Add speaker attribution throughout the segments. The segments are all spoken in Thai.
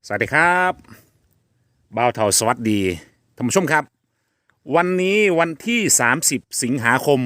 Speaker 1: สวัสดีครับบ่าวเทาสวัสดีท่านผู้ชมครับวันนี้วันที่30สิงหาคม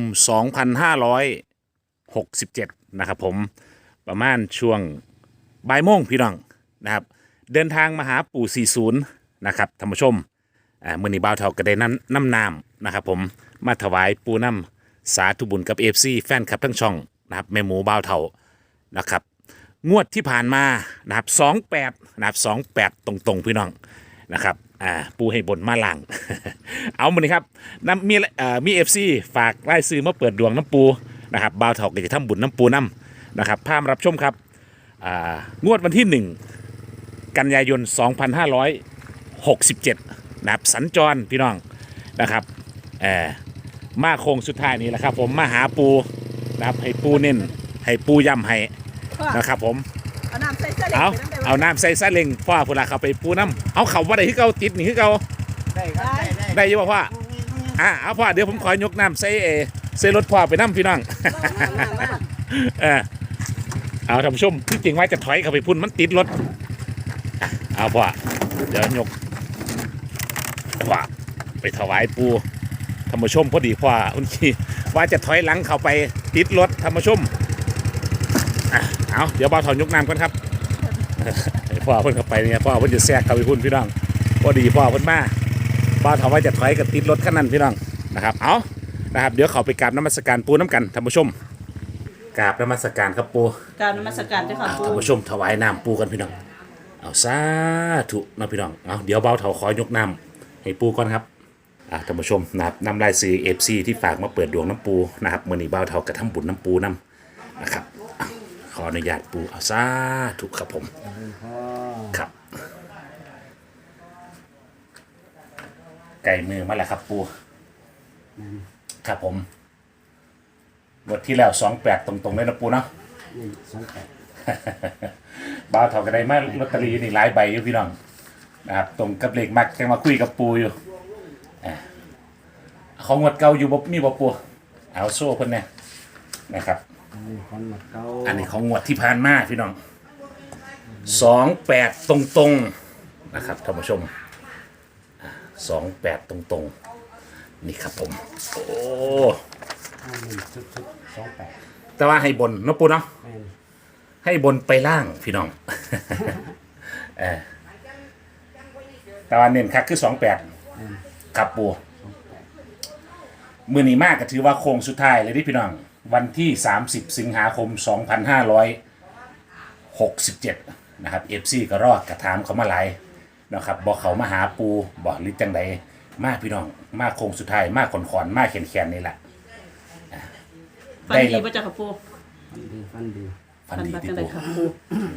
Speaker 1: 2567นะครับผมประมาณช่วงบ่ายโมงพี่น้องนะครับเดินทางมาหาปู่40นะครับท่านผู้ชมมื้อนี้บ่าวเทาก็ได้น้ำนามนะครับผมมาถวายปู่น้ำสาธุบุญกับ FC แฟนคลับทั้งช่องนะครับแม่หมูบ่าวเทานะครับงวดที่ผ่านมานะครับ28นะครับ28ตรงๆพี่น้องนะครับปูให้บนมาลัง เอามาเลยครับน้ำมีFC ฝากไล่ซื้อมาเปิดดวงน้ำปูนะครับบ่าวเถาก็จะทำบุญน้ำปูน้ำนะครับพามารับชมครับงวดวันที่1กันยายน2567นะครับสัญจรพี่น้องนะครับมาโค้งสุดท้ายนี้แหละครับผมมาหาปูนะครับให้ปูเน้นให้ปูย้ำให้นะครับผม
Speaker 2: เอาน้ำใส่ซาเล้ง
Speaker 1: เอาน้ำใส่ซาเล้งพ่อพุ่นละเขาไปปูน้ำเอาเขาว่าได้ที่เขาติดนี่คือเขา
Speaker 3: ได้ครับ
Speaker 1: ได้ยังพ่อเอาพ่อเดี๋ยวผมขอยกน้ำใส่รถพ่อไปน้ำพี่น้องเอาท่านผู้ชมที่จริงไว้จะถอยเขาไปพุ่นมันติดรถเอาพ่อเดี๋ยวยกพ่อไปถวายปูท่านผู้ชมพอดีพ่อคุณขี้ว่าจะถอยหลังเขาไปติดรถท่านผู้ชมเอาเดี๋ยวบ่าวถอนยกน้ำกันครับพ่อเพิ่นเข้าไปเนี่ยพ่อเพิ่นจะแทรกเข้าไปพุ่นพี่น้องพอดีพ่อเพิ่นมาบ่าวถอนว่าจะถอยกับติดรถคันนั้นพี่น้องนะครับเอานะครับเดี๋ยวเขาไปกราบนมัสการปูน้ำกันท่านผู้ชมกราบนมัสการครับปู
Speaker 2: กราบนมัสการเจ้าค่ะปู
Speaker 1: ท่านผู้ชมถวายน้ำปูกันพี่น้องเอาสาธุนะพี่น้องเอาเดี๋ยวบ่าวเถาขอยกน้ำให้ปูก่อนครับท่านผู้ชมนะครับนำรายซื้อ FC ที่ฝากมาเปิดดวงน้ำปูนะครับมื้อนี้บ่าวเถากระทำบุญน้ำปูน้ำนะครับขออนุญาตปูเอาซาถูกครับผมครับไก่มือมาแล้วครับปูครับผมบทที่แล้ว28ตรงๆเลยนะปูเนาะบ้าวเท่ากันได้มาลอตเตอรี่นี่หลายใบอยู่พี่น้องนะครับตรงกับเลขมักแกมาคุยกับปูอยู่เขางวดเก่าอยู่มีบ่ปูเอาโซ่เพิ่นเนี่ยนะครับอันนี้ของงวดที่ผ่านมาพี่น้อง28ตรงๆนะครับท่านผู้ชม28ตรงๆนี่ครับผมโอ้แต่ว่าให้บนนะปูเนาะให้บนไปล่างพี่น้องแต่ว่าเน้นคักคือ28ครับปูมือนี้มากก็ถือว่าโค้งสุดท้ายเลยที่พี่น้องวันที่30สิงหาคม2567นะครับ FC ก็รอดกระถามเขามาหลายนะครับบอกเขามาหาปูบอกลิจังใดมาพี่น้องมาโค้งสุดท้ายมาขอนมาแขนนี่แหละ
Speaker 2: ฟันดีป่ะเจ้าค่ะปู
Speaker 3: ฟันดี
Speaker 2: จังไดค่ะปู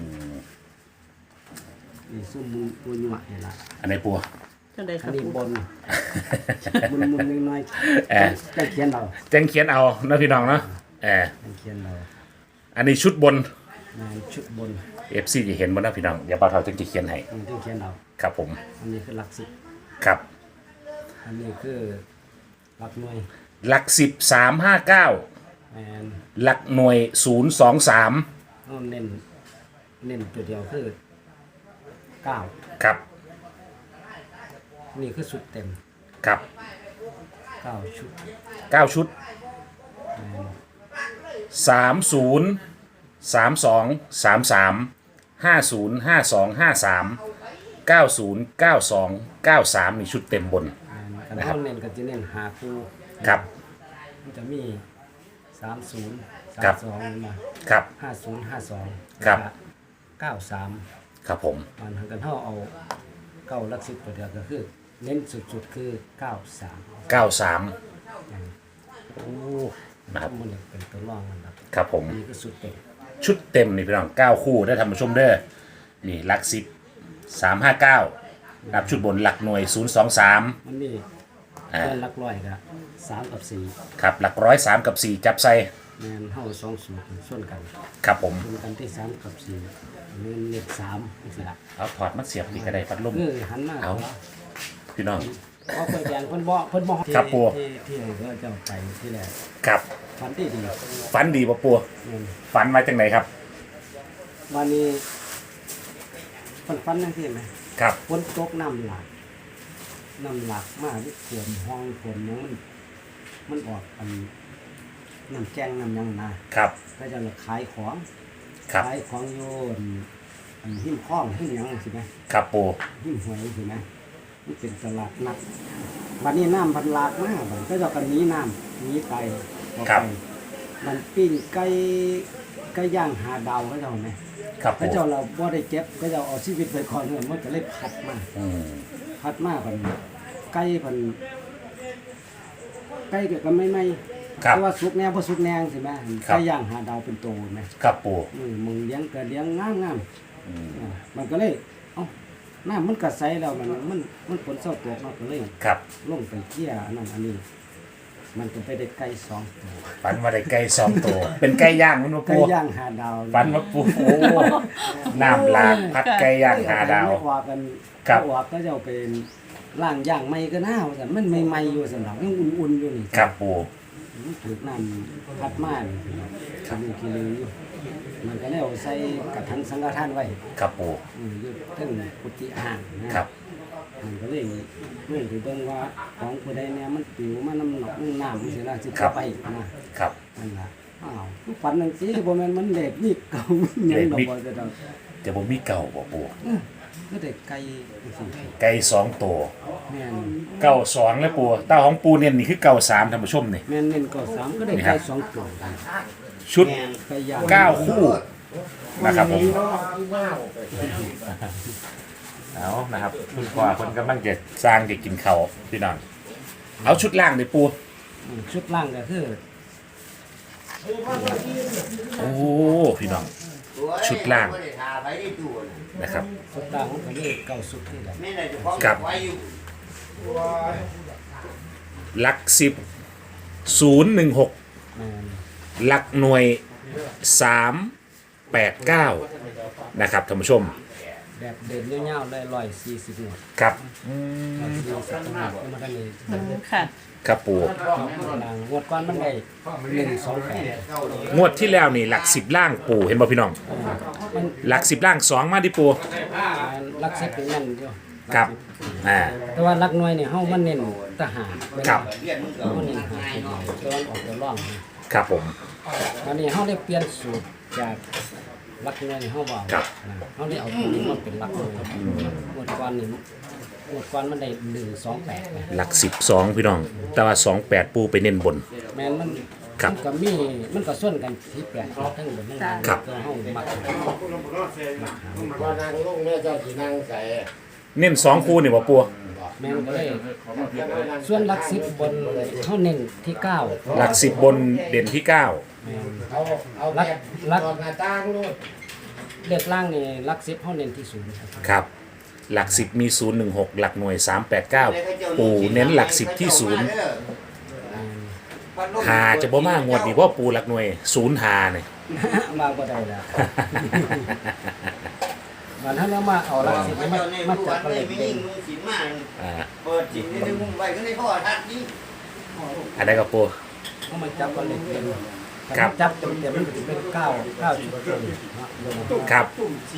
Speaker 3: นี่ซุ่มปูหยวกนี่ล่ะ
Speaker 1: อันไหนปู
Speaker 2: จังไดค่ะปู
Speaker 3: บนมุนน้อยจังเขียน
Speaker 1: เอานะพี่น้องเนาะ
Speaker 3: จังเขียนเอา
Speaker 1: อันนี้ชุดบน
Speaker 3: ชุดบน
Speaker 1: FC จะเห็นบ่นะพี่น้องเดี๋ยวบ่าวเฒ่าจึงจะเขียนให้
Speaker 3: จังเขียนเอา
Speaker 1: ครับผม
Speaker 3: อันนี้คือหลักสิบ
Speaker 1: ครับ
Speaker 3: อันนี้คือหลักหน่วย
Speaker 1: หลัก10 359หลักหน่วย023
Speaker 3: เน้นตัวเดียวคือ9
Speaker 1: ครับ
Speaker 3: นี่คือสุดเต็ม
Speaker 1: ครับ
Speaker 3: 9ชุด
Speaker 1: 9ชุด30 32 33 50 52 53 90 92 93มีชุดเต็มบน
Speaker 3: นะครับเน้นก็จะเน้นหาคู่
Speaker 1: ครับ
Speaker 3: มันจะมี30 32มา
Speaker 1: ครับ
Speaker 3: 50 52
Speaker 1: ครับ
Speaker 3: 93
Speaker 1: ครับผม
Speaker 3: มันทางกันเฮาเอา9หลัก10ตัวเดียวก็คือเน้นสุดๆคือ93
Speaker 1: โอ้นะครับ
Speaker 3: มันเป็นตัวรองมัน
Speaker 1: ครับผม
Speaker 3: นี่คือสุดเต็ม
Speaker 1: ชุดเต็มนี่พี่น้อง9คู่ได้ทำมาชมเด้อนี่หลัก10 359นับชุดบนหลักหน่วย023
Speaker 3: มันมีหลักร้อยกับ3กับ4
Speaker 1: ครับหลักร้อย3กับ4จับใส่
Speaker 3: แม่นเฮา2สูตรส่วนกัน
Speaker 1: ครับผม
Speaker 3: ส่วนกันที่3กับ4นี่เลข3จังซี่ล่ะ
Speaker 1: เอาถอดมาเสียบนี่ก็ได้พัดลม
Speaker 3: หันมา
Speaker 1: เอาพี่น้อง
Speaker 3: เอาไปแดงเพิ่นบ่
Speaker 1: ครับปู่
Speaker 3: ที่ก็จะไปที่แรก
Speaker 1: ครับ
Speaker 3: ฝันดี
Speaker 1: บ่ปู่ฝันมาจังไหนครับ
Speaker 3: วันนี้ฟันนั่นที่ไหม
Speaker 1: ครับ
Speaker 3: ฝนตกน้ำหลากมากที่ขวมห้องขวมหยังมันออกอันน้ำแกงน้ำหยังนะครับ ก็จะขายของ
Speaker 1: ครับ
Speaker 3: ขายของโยนอันหิ้มข้องหิ้มหยังสิไหม
Speaker 1: ครับปู
Speaker 3: หิ้มหวยสิไหมมันเป็นตลาดนัดวันนี้น้ำพันหลากมากบัดก็จะกันนี้น้ำนี้ไตออกไปมันปิ้งไก่ย่างหาดาวก็จะเอาไหม
Speaker 1: ครับ
Speaker 3: พระ
Speaker 1: ปู
Speaker 3: เจ้าเราบ่ได้เจ็บก็จะเอาชีวิตไปก่อนเนี่ยมันก็เลยพัดมา
Speaker 1: อืม
Speaker 3: พัดมาพันไก่พันไก่ก็ไม่
Speaker 1: ครับ
Speaker 3: แต่ว่าสุกแนวบ่สุกแนงสิแม่
Speaker 1: ครับ
Speaker 3: ไก่ย่างหาดาวเป็นโตแม่
Speaker 1: ครับปู
Speaker 3: มึงเลี้ยงก็เลี้ยงงาม
Speaker 1: อืม
Speaker 3: มันก็เลยเอ้าน้ำมันก็ใสแล้วมันฝนเศร้าตกมันก็เลย
Speaker 1: ครับ
Speaker 3: ลงไปเกี่ยอันนั้นอันนี้ มันก็ไปได้ไก่สองตัว
Speaker 1: ฝันว่าได้ไก่สองตัวเป็นไก่ย่างมันมา
Speaker 3: ไก่
Speaker 1: ปู
Speaker 3: ย่างหาดาว
Speaker 1: ฝันว่าปูโอ้น้ำหลากพัดไก่ย่างหาดาว
Speaker 3: ไม่ว่ากัน
Speaker 1: ครับ
Speaker 3: ว่าก็จะเอาเป็นล่างย่างไม่ก็น่าว่าซั่นมันใหม่ๆอยู่สำหรับยังอุ่นๆอยู่นี่
Speaker 1: ครับปู
Speaker 3: มันถูกน้ำพัดมานี่คิลืออยู่มันก็เลยเอาใส่กระถางสังฆทานไว้
Speaker 1: ครับปู
Speaker 3: อยู่เทั้งกุฏิอ่างนะครับ มันก็เลยเรื่องที่เบิ่งว่าของผู้ใดเนี่ยมันปิวมาน้ำหนองน้ำมันสิล่ะสิเข้าไปนะครับ นั่นล่ะอ้าวทุกฝันจังซี่บ่แม่นมันเล็กนี่เก่าหยังดอกบ่จะดอก
Speaker 1: แต่ผมมีเก่าบ่ปู
Speaker 3: ก็ได้ไก่จังซี่
Speaker 1: ไก่สองตัว
Speaker 3: แม่น
Speaker 1: เก่าสองแล้วปูเต้าของปูเนี่ยนี่คือเก่าสามท่านผู้ชมนี่
Speaker 3: แม่นเน้นก็3ก็ได้
Speaker 1: นี่ครั
Speaker 3: ไก่
Speaker 1: บ
Speaker 3: 2ตัว
Speaker 1: ชุด
Speaker 3: ไก่ย่าง
Speaker 1: 9 คู่นะครับผมเอานะครับคุณพ่อคนกำลังจะสร้างจะกินเขาวพี่น้องเอาชุดล่างเลยปู
Speaker 3: ชุดล่างก็คือ
Speaker 1: โอ้พี่น้อง ชุดล่างนะครับ
Speaker 3: ชุดล่างมันก็เลยเก่าสุดที่แหละ
Speaker 1: กับหลัก10 016
Speaker 3: แม่น
Speaker 1: หลักหน่วย 389นะครับท่านผู้ชม
Speaker 3: แบบเด่นยาวๆได้140หน่วย
Speaker 1: ครับ
Speaker 3: 140หน่วยมันก็เลย
Speaker 2: ค่ะ
Speaker 1: ครับปู
Speaker 3: ล่างงวดก่อนมันได้128
Speaker 1: งวดที่แล้วนี่หลัก10ล่างปูเห็นบ่พี่น้อง
Speaker 3: มัน
Speaker 1: หลัก10ล่าง2มาดิปู
Speaker 3: ลักสิบเป็นนั่นอยู่
Speaker 1: ครับอ่า
Speaker 3: แต่ว่าลักหน่วยเนี่ยเฮามันเน้นทหาร
Speaker 1: ครับ
Speaker 3: มันเน้นหาตัวออกตัวร่องนะครับ
Speaker 1: ผม
Speaker 3: อันนี้เฮาได้เปลี่ยนสูตรจากลักหน่วยนี่เฮาบ่
Speaker 1: ครับ
Speaker 3: เฮาได้เอาตัวนี้มาเป็นลักหน่วยงวดก่อนนี่งวดก่อนมันได้128นะ
Speaker 1: หลัก12พี่น้อง แต่ว่า28ปูไปเน้นบน
Speaker 3: แม่นมัน
Speaker 1: ครับ
Speaker 3: มันก็มีมันก็ส่วนกันที่แปดทั้งบนทั้งล่าง
Speaker 1: ครับ
Speaker 3: ตัวเฮามัก
Speaker 4: ว่านางลุงแม่เจ้าสีนางใส่
Speaker 1: เน้น2คู่นี่บ่ปู
Speaker 3: แม่นก็เลยส่วนลักสิบบนเฮาเน้นที่เก้า
Speaker 1: หลัก10บนเด่นที่ 9
Speaker 3: แม่น
Speaker 4: เอา
Speaker 3: ลักลัก
Speaker 4: ตอนหน้าต่างนู่น
Speaker 3: เด็กล่างนี่ลักสิบเฮาเน้นที่ศูนย์ครับ
Speaker 1: ครับ หลัก10มี016หลักหน่วย 389 ปูเน้นหลัก10ที่0หาจะบ่มางวดนี้เพราะปูหลักหน่วย0หาเนี่ย
Speaker 3: มาบ่ได้แล้ววันนั้นเรามาเอาลักสิบมาจับกันเลยเด่น
Speaker 1: อ่า
Speaker 4: เปิดจิตในมุมไปก็ได้พ่อทัดนี่
Speaker 1: อันใดก็ปู
Speaker 3: เอามาจับกันเลยเด่น
Speaker 1: ครับ
Speaker 3: จับเต็มๆมันก็จะเป็น9จุดเต็มนะ
Speaker 1: ครับ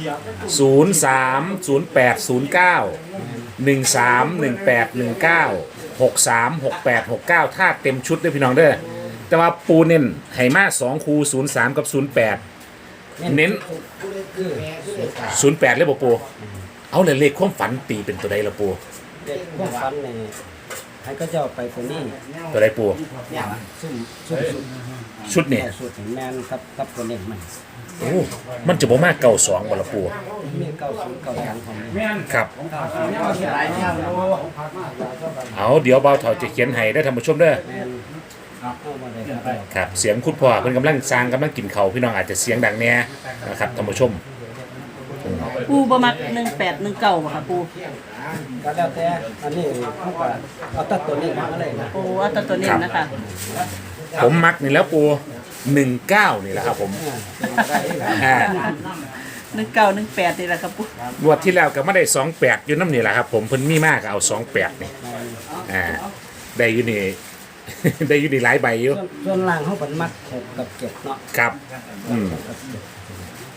Speaker 1: 03 08 09 13 18 19 63 68 69ถ้าเต็มชุดเด้อพี่น้องเด้อแต่ว่าปูเน้นให้มา2คู03 กับ 08 เน้น
Speaker 3: คือ
Speaker 1: 08เลยบ่ปูเอาเลยเลขความฝันตีเป็นตัวใดละปู
Speaker 3: เด็กพวกฟันนี่ให้ก็จะเอาไปตัวนี้
Speaker 1: ตัวใดปู
Speaker 3: ซุ่ม
Speaker 1: ชุดนี่
Speaker 3: เอาสูตรแมนกับตัวเน้นมัน
Speaker 1: โอ้มันจะบ่มากเก่า2บ่ละปู
Speaker 3: มี90 93ของนี้
Speaker 1: ครับ
Speaker 4: หลายเจ้าโล
Speaker 1: เอาเดี๋ยวเบาเถาจะเขียนให้ได้อท่านผู้ชมเด้อ
Speaker 3: แมนเอามาได้ครับ
Speaker 1: ครับเสียงคุณพ่อเพิ่นกำลังสร้างกำลังกินเขาวพี่น้องอาจจะเสียงดังแน่นะครับท่านผู้ชม
Speaker 2: ปูบ่มัก18 19บ่ค่ะปู
Speaker 3: ก็แล้วแต่อันนี้เขาก็เอาตัดตัวนี้มาเลยนะ
Speaker 2: โอ้เอาแต่ตัวนี้นะคะ
Speaker 1: ผมมักนี่แล้วปู19นี่แหละครับผมอ่า
Speaker 2: 19 18นี่แหละครับปู
Speaker 1: งวดที่แล้วก็ไม่ได้28อยู่น้ำนี่แหละครับผมเพิ่นมีมากก็เอา28นี่อ่าได้อยู่นี่ ได้อยู่นี่หลายใบอยู่
Speaker 3: ส่วนล่างเขาเป็นมัด6กับ7เนาะ
Speaker 1: ครับอืม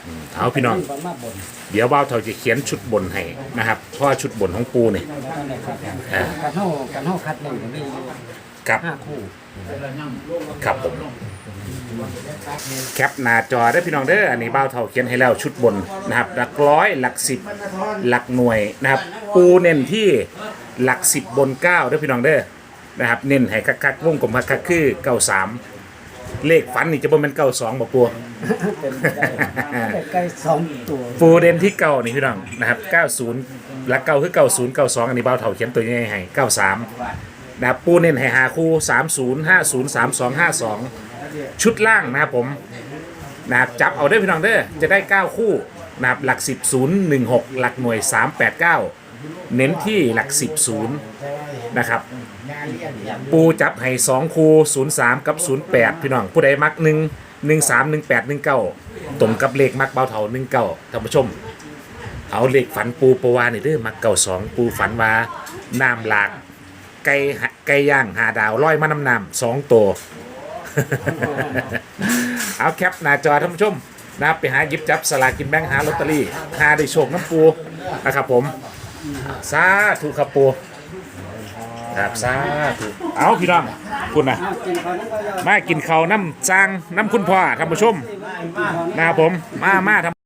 Speaker 1: เอาพี่น้อง
Speaker 3: ฝันมาบน
Speaker 1: เดี๋ยวบ่าวเฒ่าจะเขียนชุดบนให้นะครับเพราะว่าชุดบนของปูเนี่ย
Speaker 3: การเฮาคัดหนึ่งก็มีอยู่
Speaker 1: กับ
Speaker 3: 5คู่
Speaker 1: ครับผมแคปหน้าจอได้พี่น้องเด้ออันนี้บ่าวเฒ่าเขียนให้แล้วชุดบนนะครับหลักร้อยหลักสิบหลักหน่วยนะครับปูเน้นที่หลักสิบบนเก้าได้อพี่น้องเด้อนะครับเน้นให้คักๆวงกลมคักๆคือ93เลขฝันนี่จะบ่แม่น92บ่ปู
Speaker 3: เป็นไปได้ใกล้2ตัว
Speaker 1: ปูเด่นที่เก่านี่พี่น้องนะครับ90หลักเก่าคือ90 92อันนี้บ่าวเฒ่าเขียนตัวใหญ่ให้93นะครับปูเน้นให้5คู่30 50 32 52ชุดล่างนะครับผมนะครับจับเอาได้อพี่น้องเด้อจะได้9คู่นะครับหลัก10 0 1 6หลักหน่วย389เน้นที่หลัก10 0นะครับปูจับให้2คู่03กับ08พี่น้องผู้ใดมัก1 13 18 19ตรงกับเลขมักเบาเถา19ท่านผู้ชมเอาเลขฝันปูปวานี่เด้อมัก92ปูฝันว่าน้ำหลากไก่ย่าง5 ดาวลอยมาน้ำน้ำ2ตัว เอาแคปหน้าจอท่านผู้ชมนะครับไปหาหยิบจับสลากกินแบ่งหาลอตเตอรี่หาได้โชคน้ำปูนะครับผมสาธุครับปูครับสาธุเอาพี่น้องคุณนะ
Speaker 3: กินข้าวนั้นก็ยอด
Speaker 1: มากินข้าวน้ำจางน้ำคุณพ่อท่านผู้ชมนะครับผมมาทำ